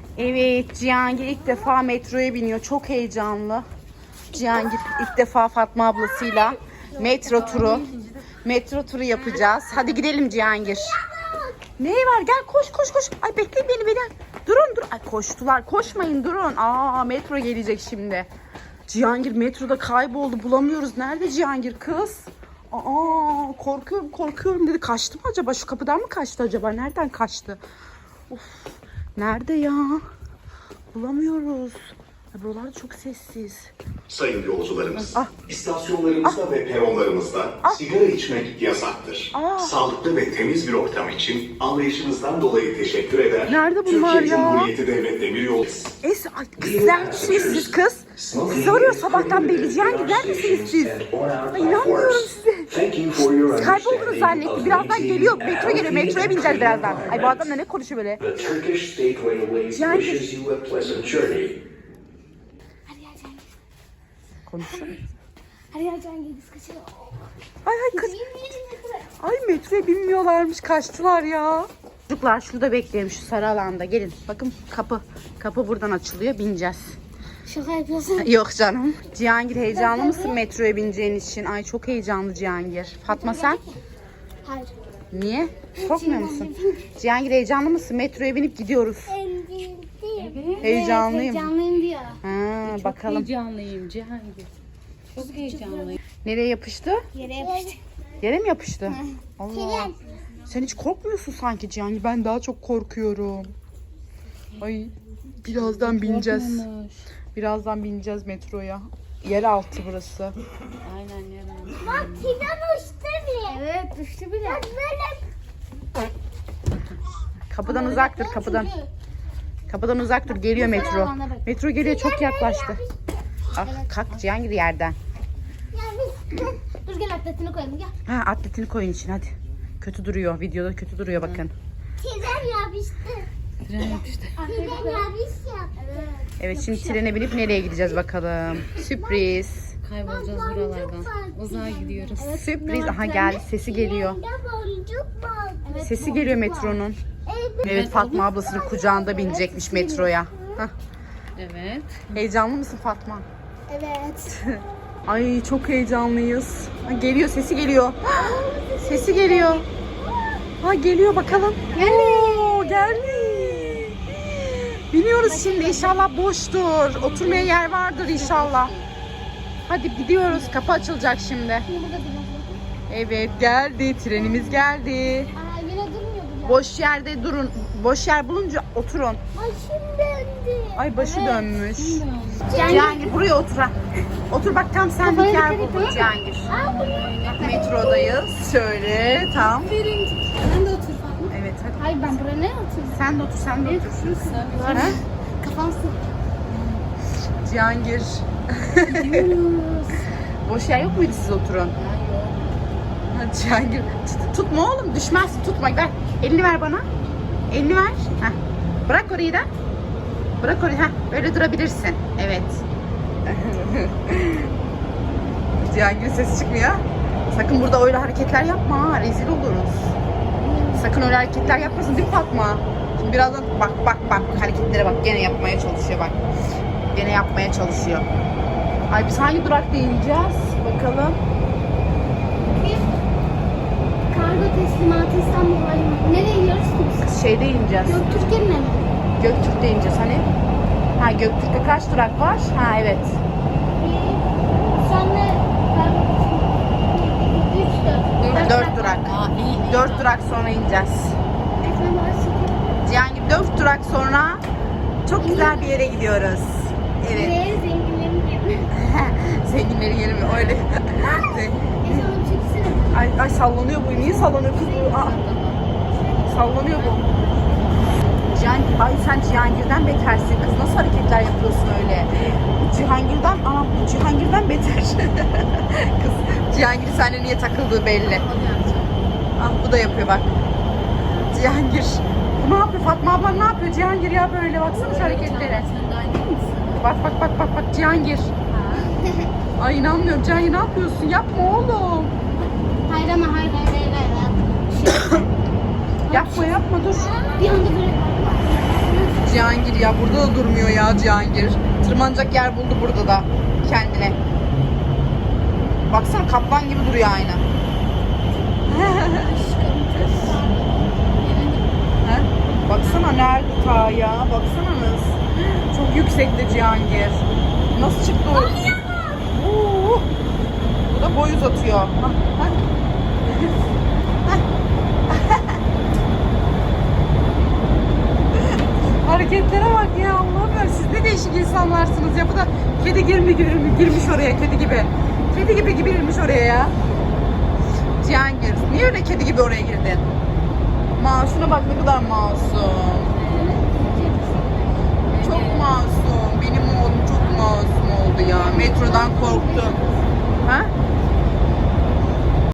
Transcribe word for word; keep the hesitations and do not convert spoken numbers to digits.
Evet, Cihangir ilk defa metroya biniyor. Çok heyecanlı. Cihangir ilk defa Fatma ablasıyla metro turu. Metro turu yapacağız. Hadi gidelim Cihangir. Ne var? Gel koş koş koş. Ay bekleyin beni beni. Durun dur. Ay koştular. Koşmayın durun. Aa metro gelecek şimdi. Cihangir metroda kayboldu. Bulamıyoruz. Nerede Cihangir kız? Aa korkuyorum korkuyorum dedi. Kaçtı mı acaba? Şu kapıdan mı kaçtı acaba? Nereden kaçtı? Of. Nerede ya? Bulamıyoruz. Ay, buralar çok sessiz. Sayın yolcularımız, Ah. istasyonlarımızda Ah. ve peronlarımızda Ah. sigara içmek yasaktır. Ah. Sağlıklı ve temiz bir ortam için anlayışınızdan dolayı teşekkür eder. Nerede bunlar Türkiye ya? Cumhuriyeti Devlet Demiryolu. Es, ay, kız neredesiniz siz kız? Sizi arıyor sabahtan beri. Cihangir neredesiniz siz? Ay, inanmıyorum size. Siz kayboldunuz zannetti. Birazdan geliyor. Metro geliyor. Metroya bineceğiz birazdan. Ay bu adam da ne konuşuyor böyle? Cihangir. Konuşuyor. Hadi ya Cihangir biz kaçalım. Ay ay kız. Ay metroya binmiyorlarmış. Kaçtılar ya. Çocuklar şurada bekleyelim şu sarı alanda. Gelin. Bakın kapı. Kapı buradan açılıyor. Bineceğiz. Şaka yapıyorsun. Yok canım. Cihangir heyecanlı mısın metroya bineceğin için? Ay çok heyecanlı Cihangir. Fatma sen? Hayır. Niye? Korkmuyor musun? Cihangir heyecanlı mısın? Metroya binip gidiyoruz. Heyecanlıyım. Heyecanlıyım diyor. Ha, Çok bakalım. heyecanlıyım Cihangir. Çok heyecanlıyım. Nereye yapıştı? Yere yapıştı. Yere mi yapıştı? Allah. Sen hiç korkmuyorsun sanki Cihangir. Ben daha çok korkuyorum. Ay birazdan bineceğiz. Korkmamış. Birazdan bineceğiz metroya. Yeraltı burası. Aynen yarın. Bak Sinan uçtu bile. Evet düştü bile. Bak böyle. Kapıdan uzak dur kapıdan. Kapıdan uzak dur. Geliyor metro. Metro geliyor çok yaklaştı. Ah kalk Cihangir yerden. Ya biz dur gel atletini koyalım gel. Ha atletini koyun için hadi. Kötü duruyor. Videoda kötü duruyor bakın. Tren yapıştı. Tren yapıştı. Tren yapıştı. Evet. Evet şimdi trene binip nereye gideceğiz bakalım. Sürpriz. Kaybolacağız buralardan. Uzağa gidiyoruz. Sürpriz. Aha geldi. Sesi geliyor. Evet, Sesi geliyor metronun. Evet Fatma ablasının kucağında binecekmiş metroya. Hah. Evet. Heyecanlı mısın Fatma? Evet. Ay çok heyecanlıyız. Ha, geliyor sesi geliyor. Sesi geliyor. Ha geliyor bakalım. Oo, geldi. Biniyoruz şimdi inşallah boştur. Oturmaya yer vardır inşallah. Hadi gidiyoruz. Kapı açılacak şimdi. Evet geldi. Trenimiz geldi. Aa yine durmuyor bu ya. Boş yerde durun. Boş yer bulunca oturun. Başım döndü. Ay başı dönmüş. Cihangir. Cihangir buraya otur ha. Otur bak tam senlik Kafayı yer dikkat bulduk et. Cihangir. Aa bu ne? Metrodayız. Şöyle tam. Sen de otur Fatma. Evet hadi. Hayır ben buraya ne oturayım? Sen de otur sen de otur. Ha? Kafam sık. Cihangir. Boş yer yok muydu siz oturun? Hadi Cihangir. Tut- tutma oğlum düşmezsin tutma. Ver. Elini ver bana. Elini ver. Heh. Bırak orayı da. Bırak orayı. Heh. Böyle durabilirsin. Evet. Cihangir'in sesi çıkmıyor. Sakın burada öyle hareketler yapma. Ha. Rezil oluruz. Sakın öyle hareketler yapmasın değil mi Fatma? Şimdi birazdan bak bak bak hareketlere bak. Gene yapmaya çalışıyor bak. Gene yapmaya çalışıyor. Ay biz hangi durakta ineceğiz? Bakalım. Kargo teslimatı İstanbul Havalimanı. Nereye gidiyoruz ki biz? Şeyde ineceğiz. Göktürk'e mi? Göktürk'te ineceğiz hani. Ha Göktürk'te kaç durak var? Ha evet. Sonra kargo teslimatı. Üç, dört. Dört durak. Aa iyi. Dört durak sonra ineceğiz. Efendim orası. Cihangir dört durak sonra çok güzel bir yere gidiyoruz. Evet. Nereye zenginlerin yeri? Zenginlerin yeri mi? Öyle. Neyse onu çeksene. ay, ay sallanıyor bu. Niye sallanıyor kız bu? Aa, sallanıyor bu. Cihangir, ay sen Cihangir'den betersin kız. Nasıl hareketler yapıyorsun öyle? Cihangir'den, aa bu Cihangir'den beter. Kız Cihangir seninle niye takıldığı belli. Ah bu da yapıyor bak. Cihangir. Bu ne yapıyor? Fatma ablan ne yapıyor? Cihangir ya böyle baksana şu hareketlere. Sen de aynı mısın? Bak bak bak bak bak Cihangir. Ay inanmıyorum Cihangir ne yapıyorsun? Yapma oğlum. Hayır ama hayır hayır hayır hayır. Yapma yapma dur. Bir anda böyle Cihangir ya burada da durmuyor ya Cihangir. Tırmanacak yer buldu burada da kendine. Baksana kaplan gibi duruyor aynı. Ha? Baksana nerede ta ya? Baksanız. Çok yüksekte Cihangir. Nasıl çıktı o? Oo. Bu da boy uzatıyor. Ha, ha. Hareketlere bak ya Allah'ım ya. Siz ne değişik insanlarsınız ya. Bu da kedi girmi girmi girmiş oraya kedi gibi. Kedi gibi gibi girmiş oraya ya. Cihangir niye öyle kedi gibi oraya girdin? Masum'a bak ne kadar masum. Çok masum. Benim oğlum çok masum oldu ya. Metrodan korktu. Ha?